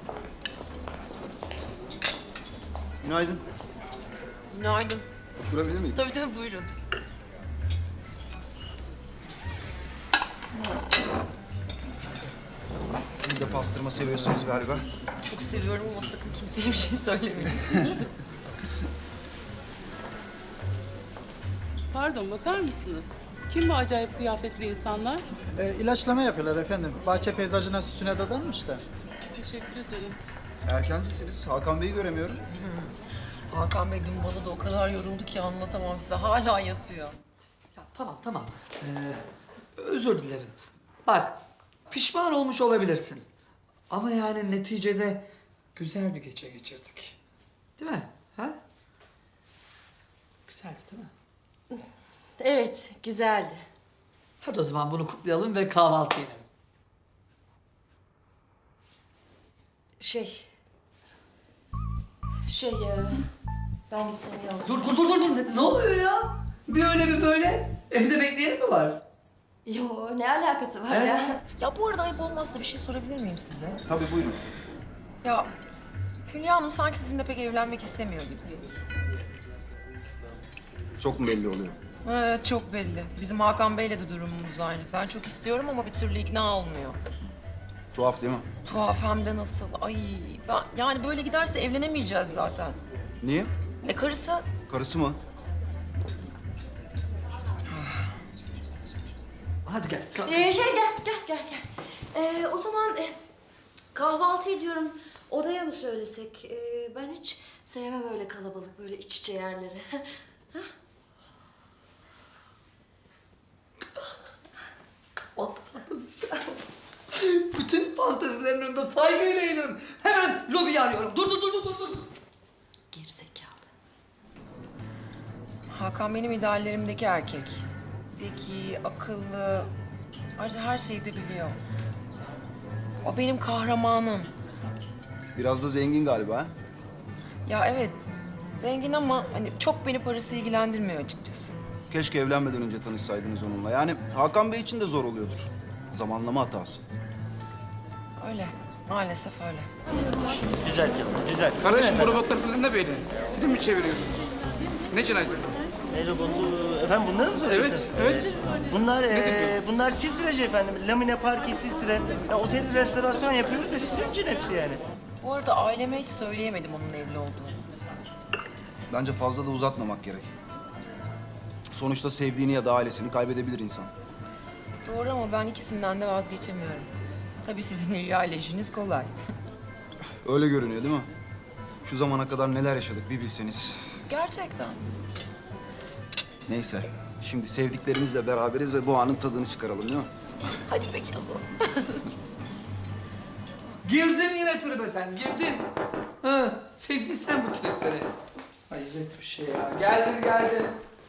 Günaydın. Günaydın. Oturabilir miyim? Tabii tabii buyurun. Siz de pastırma seviyorsunuz galiba. Çok seviyorum ama sakın kimseye bir şey söylemeyin. Pardon, bakar mısınız? Kim bu acayip kıyafetli insanlar? İlaçlama yapıyorlar efendim. Bahçe peyzajına süsüne dadanmış da. Teşekkür ederim. Erkencisiniz. Hakan Bey'i göremiyorum. Hakan Bey dün bana da o kadar yoruldu ki anlatamam size. Hala yatıyor. Ya tamam. Özür dilerim. Bak, pişman olmuş olabilirsin. Ama yani neticede güzel bir gece geçirdik. Değil mi? Ha? Güzeldi değil mi? Evet, güzeldi. Hadi o zaman bunu kutlayalım ve kahvaltı yiyelim. Şey... Ben gitsem iyi olur. Dur. Ne oluyor ya? Bir öyle bir böyle. Evde bekleyen mi var? Yo, ne alakası var He? ya? Ya bu arada ayıp olmazsa bir şey sorabilir miyim size? Tabii buyurun. Ya Hülya Hanım sanki sizinle pek evlenmek istemiyor gibi. Çok mu belli oluyor? Evet çok belli. Bizim Hakan Bey'le de durumumuz aynı. Ben çok istiyorum ama bir türlü ikna olmuyor. Tuhaf değil mi? Tuhaf hem de nasıl. Ay yani böyle giderse evlenemeyeceğiz zaten. Niye? Karısı Karısı mı? Hadi gel. kalk. Gel. O zaman kahvaltı ediyorum. Odaya mı söylesek? Ben hiç sevmem öyle kalabalık, böyle iç içe yerleri. Kahvaltı fantezisi. Bütün fantezilerin önünde saygıyla eğilirim. Hemen lobiyi arıyorum. Dur. Gerizekalı. Hakan benim ideallerimdeki erkek. Zeki, akıllı, ayrıca her şeyi de biliyor. O benim kahramanım. Biraz da zengin galiba ha? Ya evet, zengin ama hani çok beni parası ilgilendirmiyor açıkçası. Keşke evlenmeden önce tanışsaydınız onunla. Yani Hakan Bey için de zor oluyordur. Zamanlama hatası. Öyle, maalesef öyle. Güzel. Kardeşim bu robotlar kızım ne böyle? Film mi çeviriyorsunuz? Ne cinayeti? Ne robotu? Efendim bunları mı soruyorsun? Evet. Bunlar sistireci efendim. Lamine parki sistire. Ya, otel restorasyon yapıyoruz da sizin için hepsi yani. Bu arada aileme hiç söyleyemedim onun evli olduğunu. Bence fazla da uzatmamak gerek. Sonuçta sevdiğini ya da ailesini kaybedebilir insan. Doğru ama ben ikisinden de vazgeçemiyorum. Tabii sizin Hülya ile işiniz kolay. Öyle görünüyor değil mi? Şu zamana kadar neler yaşadık bir bilseniz. Gerçekten. Neyse, şimdi sevdiklerimizle beraberiz ve bu anın tadını çıkaralım değil mi? Hadi peki o zaman. Girdin yine tribe sen, girdin. Ha, sevdin sen bu triplere. Hayret bir şey ya. Geldin.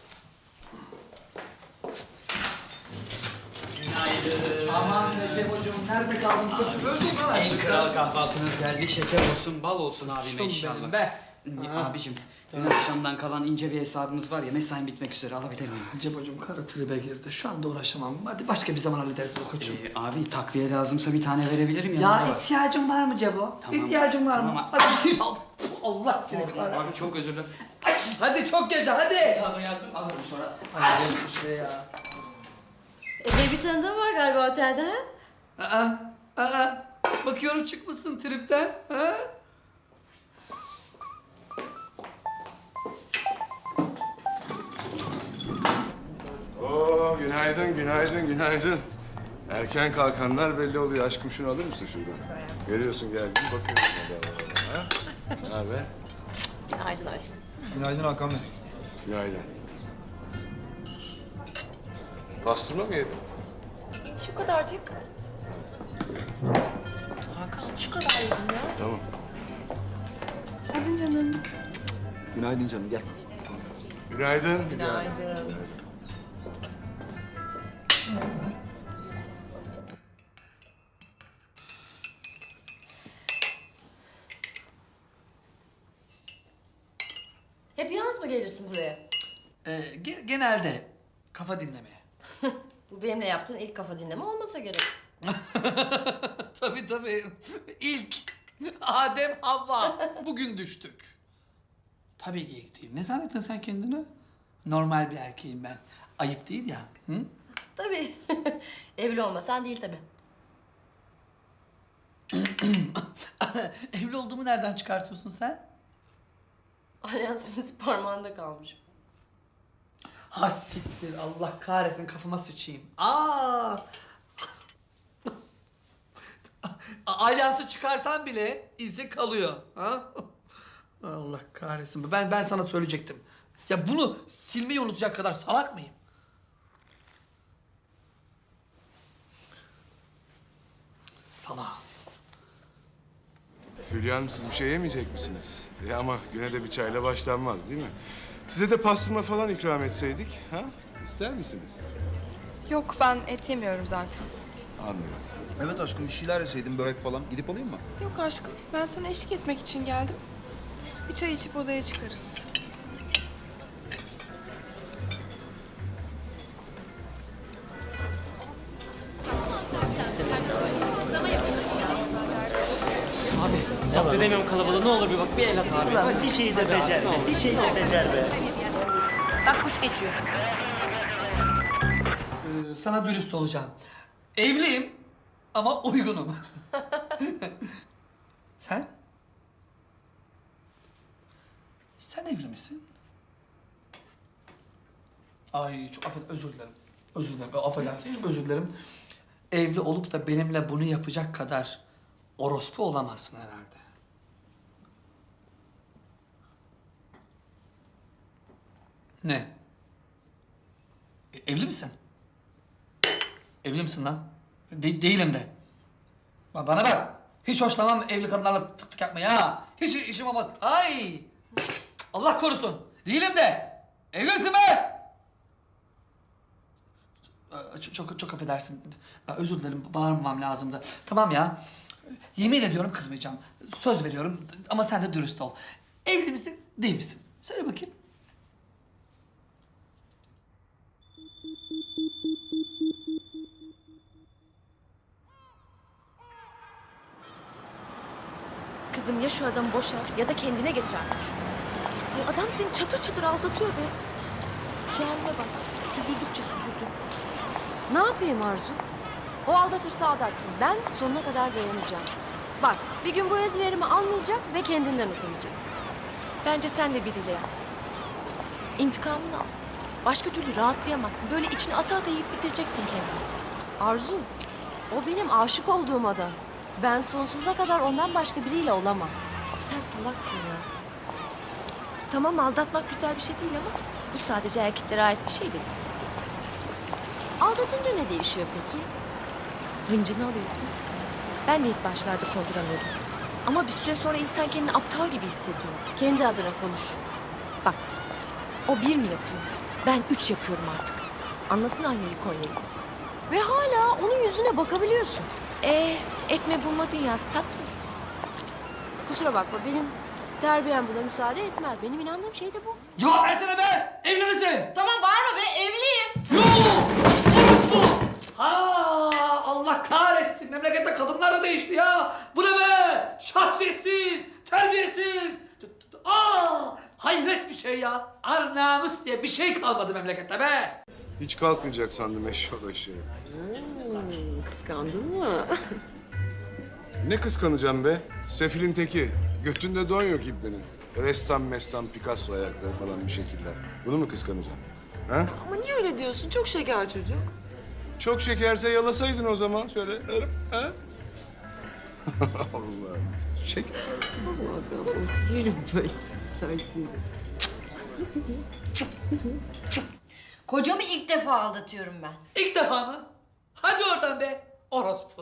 Günaydın. Aman be Cemo'cum, nerede kaldın koçum? Öldün lan En artık. kral kahvaltınız geldi. Şeker olsun, bal olsun abime Şunum inşallah. benim be. Abicim, dün akşamdan kalan ince bir hesabımız var ya, mesain bitmek üzere, alabilir miyim? Cemo'cum karı tribe girdi. Şu anda uğraşamam. Hadi başka bir zaman hallederiz bu koçum. Abi takviye lazımsa bir tane verebilirim Ya yanında var. ihtiyacın var mı Cebo? Tamam. İhtiyacın var mı? Tamam. Hadi. Allah seni kahretsin. Abi çok özür dilerim. Hadi çok yaşa hadi. Sana yazdım, alırım sonra. Hayret bir şey ya. Bir tanıdığım var galiba otelde, ha? Aa. Bakıyorum çıkmışsın tripten. Ha? Oo, günaydın. Erken kalkanlar belli oluyor. Aşkım şunu alır mısın şuradan? Görüyorsun geldim, bakıyorum. Ha? Ne haber? Günaydın aşkım. Günaydın Hakan Bey. Günaydın. Pastırma mı yedin? Şu kadarcık. Hakan şu kadar yedim ya. Tamam. Hadi canım. Günaydın canım, gel. Günaydın. Günaydın. Hep yalnız mı gelirsin buraya? Genelde kafa dinlemeye. Bu benimle yaptığın ilk kafa dinleme olmasa gerek. Tabii. İlk. Adem Havva. Bugün düştük. Tabii geyik değil. Ne zannettin sen kendini? Normal bir erkeğim ben. Ayıp değil ya. Hı? Tabii. Evli olmasan değil tabii. Evli olduğumu nereden çıkartıyorsun sen? Alyansınız parmağında kalmış. Ha siktir. Allah kahretsin kafama sıçayım. Aa! Alyansı çıkarsan bile izi kalıyor. Ha? Allah kahretsin. Ben sana söyleyecektim. Ya bunu silmeyi unutacak kadar salak mıyım? Salak. Hülya Hanım siz bir şey yemeyecek misiniz? Ama güne de bir çayla başlanmaz değil mi? Size de pastırma falan ikram etseydik, ha? İster misiniz? Yok ben et yemiyorum zaten. Anlıyorum. Evet aşkım bir şeyler yeseydin börek falan. Gidip alayım mı? Yok aşkım ben sana eşlik etmek için geldim. Bir çay içip odaya çıkarız. Zapt edemiyorum kalabalığı. Ne olur bir bak bir el at abi. Ulan bir şeyi de becer be. Bir şeyi de becer be. Bak kuş geçiyor. Sana dürüst olacağım. Evliyim ama uygunum. Sen? Sen evli misin? Ay çok özür dilerim. Özür dilerim. Affedersin çok özür dilerim. Evli olup da benimle bunu yapacak kadar orospu olamazsın herhalde. Ne? Evli misin? Evli misin lan? Değilim de. Bana bak. Hiç hoşlanmam evli kadınlarla tık tık yapmayı ha. Hiç işim olmaz. Ay! Allah korusun. Değilim de. Evli misin be? Çok affedersin. Özür dilerim. Bağırmamam lazımdı. Tamam ya. Yemin ediyorum kızmayacağım. Söz veriyorum ama sen de dürüst ol. Evli misin, değil misin? Söyle bakayım. Kızım ya şu adamı boşa ya da kendine getir artık. Ya adam seni çatır çatır aldatıyor be. Şu haline bak. Süzüldükçe süzüldü. Ne yapayım Arzu? O aldatırsa aldatsın. Ben sonuna kadar dayanacağım. Bak bir gün bu ezberimi anlayacak ve kendinden utanacak. Bence sen de biriyle yat. İntikamını al. Başka türlü rahatlayamazsın. Böyle içine ata ata yiyip bitireceksin kendini. Arzu, o benim aşık olduğum adam. Ben sonsuza kadar ondan başka biriyle olamam. Sen salaksın ya. Tamam aldatmak güzel bir şey değil ama bu sadece erkeklere ait bir şey değil. Aldatınca ne değişiyor peki? Hıncını alıyorsun. Ben de ilk başlarda konduramıyordum. Ama bir süre sonra insan kendini aptal gibi hissediyor. Kendi adına konuş. Bak, o bir mi yapıyor? Ben 3 yapıyorum artık. Anlasın aynayı Konya'yı. Ve hala onun yüzüne bakabiliyorsun. Etme bulma dünyası tatlı. Kusura bakma benim terbiyem buna müsaade etmez. Benim inandığım şey de bu. Cevap versene be! Evli misin? Tamam bağırma be evliyim. Yok! Bu! Ha, Allah kahretsin. Memlekette kadınlar da değişti ya. Bu ne be? Şahsiyetsiz, terbiyesiz. Hayret bir şey ya. Ar namus diye bir şey kalmadı memlekette be. Hiç kalkmayacak sandım eşşoğlu. Kıskandın mı? Ne kıskanacağım be? Sefilin teki. Götünde don yok ibnenin. Ressam, Picasso ayakları falan bir şekiller. Bunu mu kıskanacağım? Ha? Ama niye öyle diyorsun? Çok şeker çocuk. Çok şekerse yalasaydın o zaman. Şöyle herif, ha? Allah. Şeker. Yerim böyle sensin. Kocamı ilk defa aldatıyorum ben. İlk defa mı? Hadi oradan be. Orospu.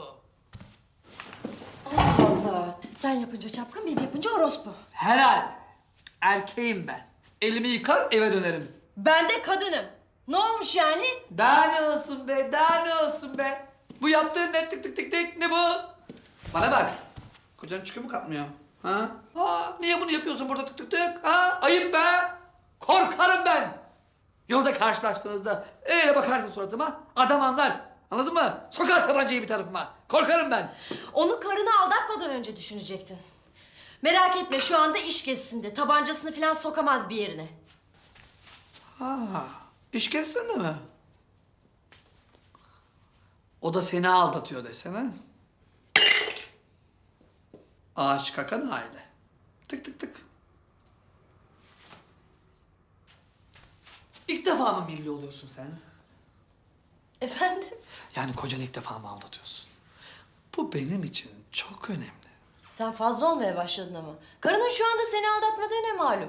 Allah. Sen yapınca çapkın, biz yapınca orospu. Herhalde. Erkeğim ben. Elimi yıkar eve dönerim. Ben de kadınım. Ne olmuş yani? Daha ne olsun be, daha ne olsun be? Bu yaptığın ne tık tık tık tık ne bu? Bana bak. Kocan çıkıyor mu kalkmıyor? Ha? Niye bunu yapıyorsun burada tık tık tık? Ha? Ayıp be. Korkarım ben. Yolda karşılaştığınızda öyle bakarsın suratıma adam anlar. Anladın mı? Sokar tabancayı bir tarafıma. Korkarım ben. Onu karını aldatmadan önce düşünecektin. Merak etme şu anda iş gezisinde. Tabancasını falan sokamaz bir yerine. Ha, iş gezsene mi? O da seni aldatıyor desene. Ağaç kakan aile. Tık tık tık. İlk defa mı milli oluyorsun sen? Efendim? Yani kocanı ilk defa mı aldatıyorsun? Bu benim için çok önemli. Sen fazla olmaya başladın ama. Karının şu anda seni aldatmadığı ne malum?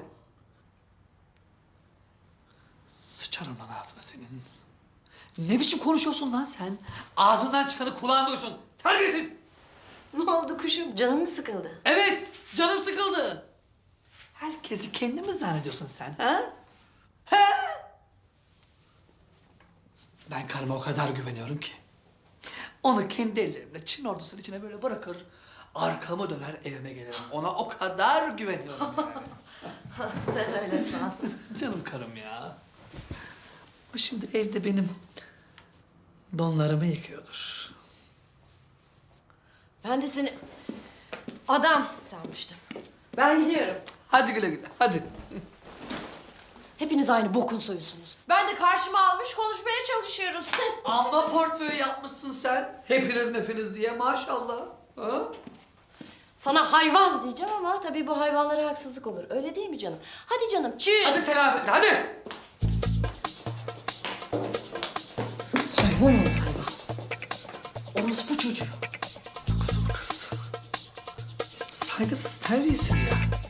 Sıçarım lan ağzına senin. Ne biçim konuşuyorsun lan sen? Ağzından çıkanı kulağın duysun. Terbiyesiz! Ne oldu kuşum? Canın mı sıkıldı? Evet, canım sıkıldı. Herkesi kendi mi zannediyorsun sen, ha? Ha? Ben karıma o kadar güveniyorum ki. Onu kendi ellerimle Çin ordusunun içine böyle bırakır, arkamı döner evime gelirim. Ona o kadar güveniyorum yani. Sen öyle san. Canım karım ya. O şimdi evde benim donlarımı yıkıyordur. Ben de seni adam sanmıştım. Ben gidiyorum. Hadi güle güle, hadi. Hepiniz aynı bokun soyusunuz. Ben de karşıma almış konuşmaya çalışıyoruz. Amma portföy yapmışsın sen. Hepiniz diye maşallah. Ha? Sana hayvan diyeceğim ama tabii bu hayvanlara haksızlık olur. Öyle değil mi canım? Hadi canım, çüz. Hadi selametle, hadi. Hayvan ol hayvan. Orospu çocuğu. Kız. Saygısız, terbiyesiz ya.